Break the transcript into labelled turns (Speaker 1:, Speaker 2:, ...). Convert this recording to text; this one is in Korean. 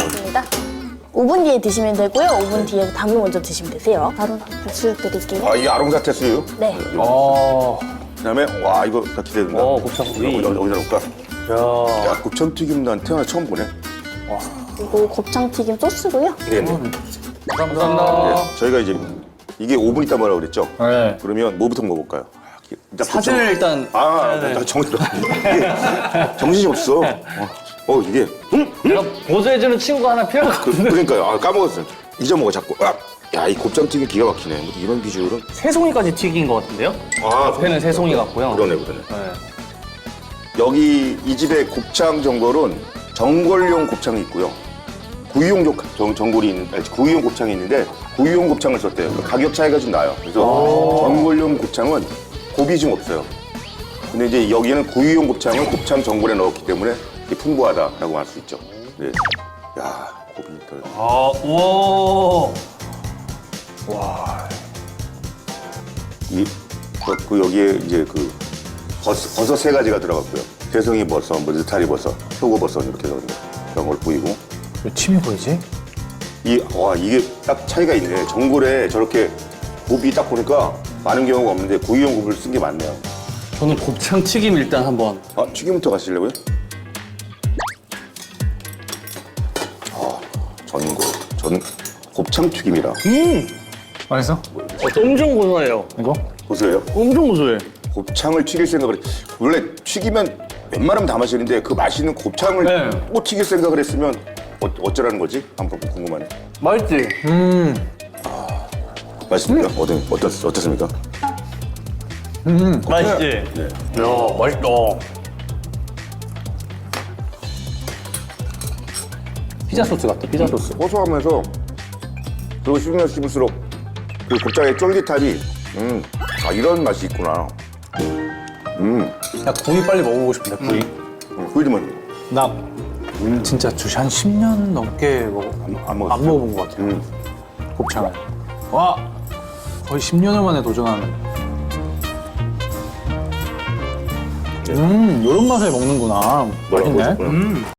Speaker 1: 맞습니다. 5분 뒤에 드시면 되고요. 5분 뒤에 담을 먼저 드시면 되세요. 바로 수육 드릴게요.
Speaker 2: 아, 이게 아롱사태 수육?
Speaker 1: 네.
Speaker 2: 그다음에 와 이거 나 기대된다.
Speaker 3: 곱창구이.
Speaker 2: 여기다 놓을까? 야, 곱창튀김 난 태어나 처음 보네.
Speaker 1: 그리고 곱창튀김 소스고요.
Speaker 2: 네네.
Speaker 3: 감사합니다.
Speaker 2: 네, 저희가 이제 이게 5분 있다 뭐라고 그랬죠?
Speaker 3: 네.
Speaker 2: 그러면 뭐부터 먹어볼까요? 일단
Speaker 3: 사진을 일단.
Speaker 2: 나 정신이 없어. 이게
Speaker 3: 내가 보조해주는 친구가 하나 필요하거든요.
Speaker 2: 그러니까요. 아, 까먹었어요. 잊어먹어 자꾸. 야, 이 곱창튀김 기가 막히네. 뭐 이런 비주얼은.
Speaker 3: 새송이까지 튀긴 것 같은데요? 앞에는 새송이 같고요.
Speaker 2: 그러네.
Speaker 3: 네.
Speaker 2: 여기 이 집의 곱창 전골은 전골용 곱창이 있고요. 구이용 구이용 곱창이 있는데 구이용 곱창을 썼대요. 그 가격 차이가 좀 나요. 그래서 전골용 곱창은 곱이 좀 없어요. 근데 이제 여기는 구이용 곱창을 곱창 전골에 넣었기 때문에 풍부하다라고 할 수 있죠. 네. 야, 곱이 더.
Speaker 3: 우와.
Speaker 2: 여기에 이제 그 버섯 3가지가 들어갔고요. 새송이 버섯, 뭐 느타리 버섯, 표고버섯 이렇게 들어갔는데 그런 걸 뿌리고.
Speaker 4: 왜 침이 보이지?
Speaker 2: 이게 딱 차이가 있네. 전골에 저렇게 곱이 딱 보니까 많은 경우가 없는데 구이용 곱을 쓴 게 많네요.
Speaker 3: 저는 곱창 튀김 일단 한번.
Speaker 2: 튀김부터 가시려고요? 곱창 튀김이라.
Speaker 4: 맛있어?
Speaker 3: 엄청 고소해요.
Speaker 4: 이거?
Speaker 2: 보세요.
Speaker 3: 엄청 고소해.
Speaker 2: 곱창을 튀길 생각을 원래 튀기면 웬만하면 다 마시는데 그 맛있는 곱창을
Speaker 3: 네.
Speaker 2: 또 튀길 생각을 했으면 어쩌라는 거지? 한번 궁금하네.
Speaker 3: 맛있지?
Speaker 2: 맛있습니까? 어떻습니까?
Speaker 3: 맛있지?
Speaker 2: 네.
Speaker 3: 야, 맛있다. 피자 소스 같아, 피자 소스.
Speaker 2: 고소하면서 그리고 씹으면 씹을수록 그 곱창의 쫄깃함이 이런 맛이 있구나.
Speaker 4: 나 구이 빨리 먹어보고 싶은데, 구이.
Speaker 2: 구이드만
Speaker 4: 나 진짜 주시 한 10년 넘게
Speaker 2: 안 먹었어요.
Speaker 4: 안 먹어본 것 같아요. 곱창을. 와! 거의 10년을 만에 도전하는. 이런 맛에 먹는구나.
Speaker 2: 뭐라고
Speaker 4: 맛있네.
Speaker 2: 하셨구나.